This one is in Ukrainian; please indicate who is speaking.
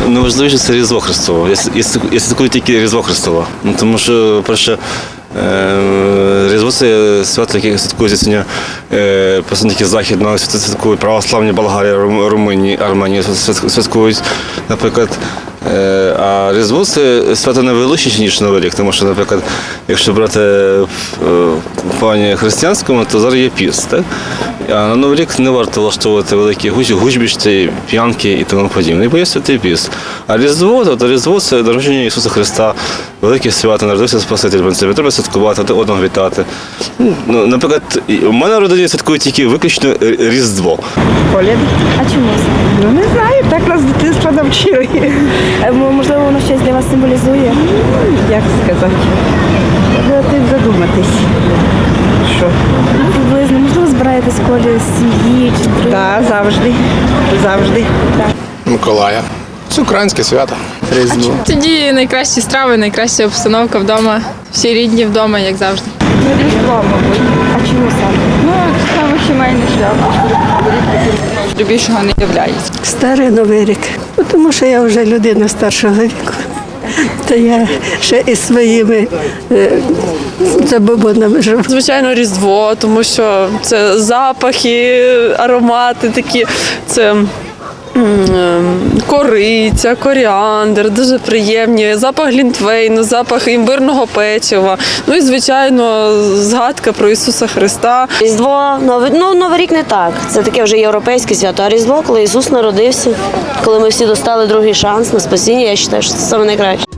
Speaker 1: найважливіше це Різдво Христове. Я святкую тільки Різдво Христове. Ну, тому що, перше, Різдво – це свято, яке святкується сьогодні представники Західного, святкують православні Болгарії, Румунії, Арменії святкують, наприклад. А Різдво – це свято не величніше, ніж Новий рік, тому що, наприклад, якщо брати в плані християнському, то зараз є піст, так? А на Новий рік не варто влаштовувати великі гучбішці, п'янки і тому подібне, бо є святий піст. А Різдво – це народження Ісуса Христа, велике свято, народився Спаситель, треба святкувати, одного вітати. Ну, наприклад, у мене в родині святкують тільки виключно Різдво.
Speaker 2: Коляд.
Speaker 3: А чому це?
Speaker 2: Ну не знаю, так нас з дитинства навчили.
Speaker 3: Можливо, воно щось для вас символізує?
Speaker 2: Як сказати? Треба тим задуматись. Що?
Speaker 3: Приблизно, можливо, збираєтесь в колі сім'ї чи друзів?
Speaker 2: Так, завжди. Завжди.
Speaker 4: Миколая. Це українське свято.
Speaker 5: Різдво. Тоді найкращі страви, найкраща обстановка вдома, всі рідні вдома, як завжди.
Speaker 3: Різдво, мабуть. А чому саме?
Speaker 6: Ну, саме сімейне свято. До більшого не являється.
Speaker 7: Старий Новий рік, тому що я вже людина старшого віку. То я ще із своїми забобонами живу.
Speaker 8: Звичайно, Різдво, тому що це запахи, аромати такі, це кориця, коріандр, дуже приємні, запах глінтвейну, запах імбирного печива. Ну і, звичайно, згадка про Ісуса Христа.
Speaker 9: Різдво, Новий рік не так. Це таке вже європейське свято. А Різдво, коли Ісус народився, коли ми всі достали другий шанс на спасіння, я вважаю, що це саме найкраще.